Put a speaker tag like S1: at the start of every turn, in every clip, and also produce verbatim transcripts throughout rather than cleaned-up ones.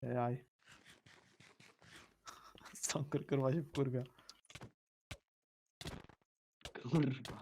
S1: Jaj. Stonker kurwa się wkurwia.
S2: Kurwa.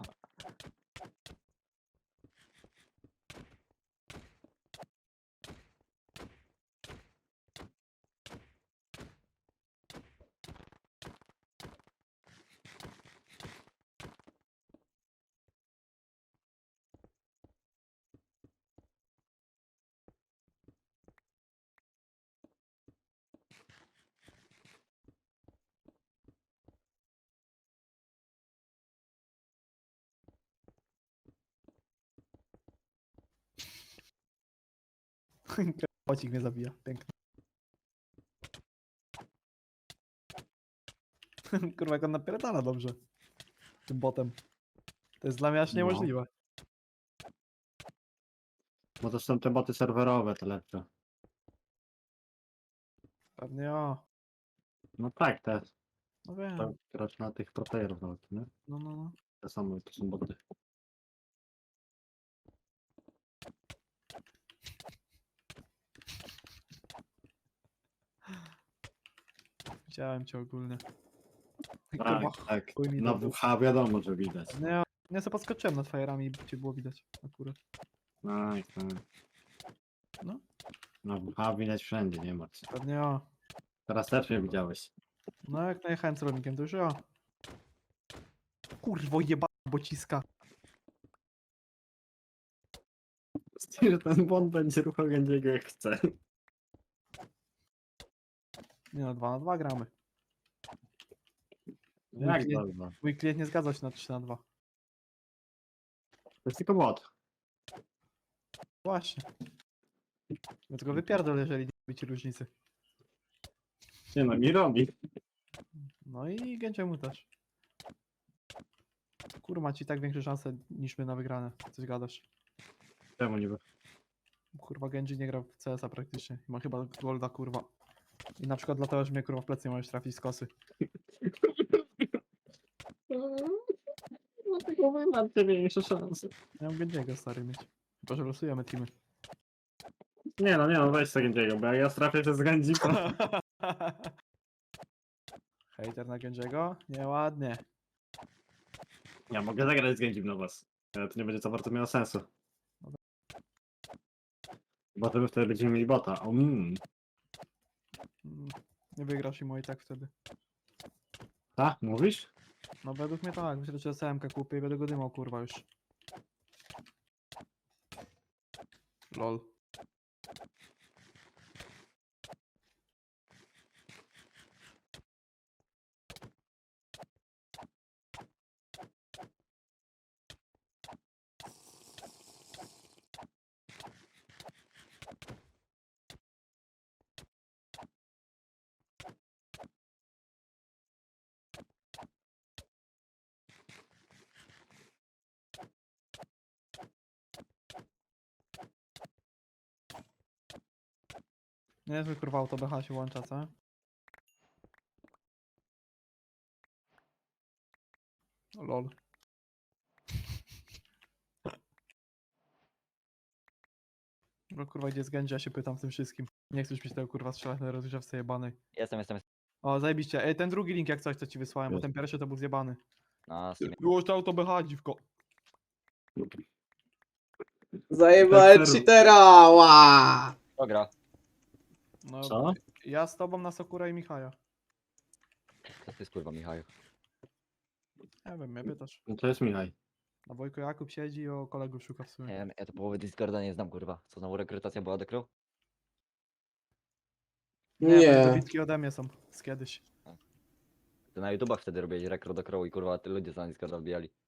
S1: Kocik mnie zabija. Pięknie. Kurwa jak on napierdala dobrze. Tym botem. To jest dla mnie aż
S2: No.
S1: niemożliwe.
S2: Bo to są te boty serwerowe, te lepsze.
S1: Pewnie o.
S2: No tak, te.
S1: No wiem.
S2: To grać na tych protejrów nawet, nie?
S1: No, no, no.
S2: Te same, to są boty.
S1: Widziałem cię ogólnie.
S2: Tak,
S1: Kurwa,
S2: tak.
S1: chuj mi
S2: Na
S1: to w
S2: W H wiadomo, że widać.
S1: Nie, ja nie sobie podskoczyłem nad fajerami i cię było widać akurat.
S2: Tak, tak.
S1: No.
S2: Na W H widać wszędzie, nie ma co.
S1: Pewnie o.
S2: Teraz też mnie widziałeś.
S1: No jak najechałem celownikiem, to już ja. Kurwo jeba bociska.
S2: Że ten błąd będzie ruchał Gędziego jak chce.
S1: Nie no, dwa na dwa gramy.
S2: Jak
S1: klient-
S2: dobrze.
S1: Mój klient nie zgadza się na trzy na dwa.
S2: To jest tylko bot.
S1: Właśnie. Dlatego wypierdol, jeżeli nie robi ci różnicy.
S2: Nie no, nie robi.
S1: No i Gęciemu też. Kurwa, ci tak większe szanse niż my na wygrane. Coś gadasz.
S2: Czemu niby?
S1: Kurwa, Genji nie gra w C S a praktycznie. Ma chyba golda, kurwa. I na przykład dlatego, że mnie kurwa w plecy nie możesz trafić z kosy.
S2: Dlatego wy macie większe szanse.
S1: Ja mam Genjiego stary mieć. Chyba, że losujemy teamy.
S2: Nie no, nie no, weź sobie Gędziego, bo jak ja trafię się z Gędzi, to...
S1: Hejter na Genjiego? Nieładnie.
S2: Ja mogę zagrać z Gędzim na was. Ale to nie będzie co bardzo miało sensu.
S1: Dobra.
S2: Bo to my wtedy będziemy mieli bota. O, mm.
S1: Mm, Nie wygrasz i i tak wtedy.
S2: Tak? Mówisz?
S1: No według mnie tak. Myślę, że S M K kupię i będę go dymał kurwa już. Lol. Niezły kurwa auto B H się łącza, co? Lol. No kurwa gdzie jest Genji, ja się pytam w tym wszystkim. Nie chcesz mieć tego kurwa strzelać na rozgrzewce jebanej.
S3: Jestem, jestem, jestem
S1: O, zajebiście. Ej, ten drugi link jak coś, co ci wysłałem, bo
S2: Jest.
S1: ten pierwszy to był zjebany.
S3: na streamie.
S1: Było to auto B H, dziwko.
S4: Zajebałem
S2: Peter-
S4: cheatera! Ła!
S3: Kto gra?
S1: No,
S2: Co?
S1: ja z tobą na Sakura i Michaja.
S3: To ty jest kurwa Michał.
S1: Nie wiem, mnie pytasz.
S2: No to jest Michaj.
S1: A Wojko Jakub siedzi i o kolegów szuka w
S3: Nie
S1: sumie.
S3: wiem, ja to połowy Discorda nie znam kurwa. Co znowu rekrutacja była do crew?
S1: Nie,
S4: Nie.
S1: to bitki ode mnie są z kiedyś.
S3: To na YouTubach wtedy robiłeś rekrut do crew i kurwa ty ludzie za Discorda wbijali.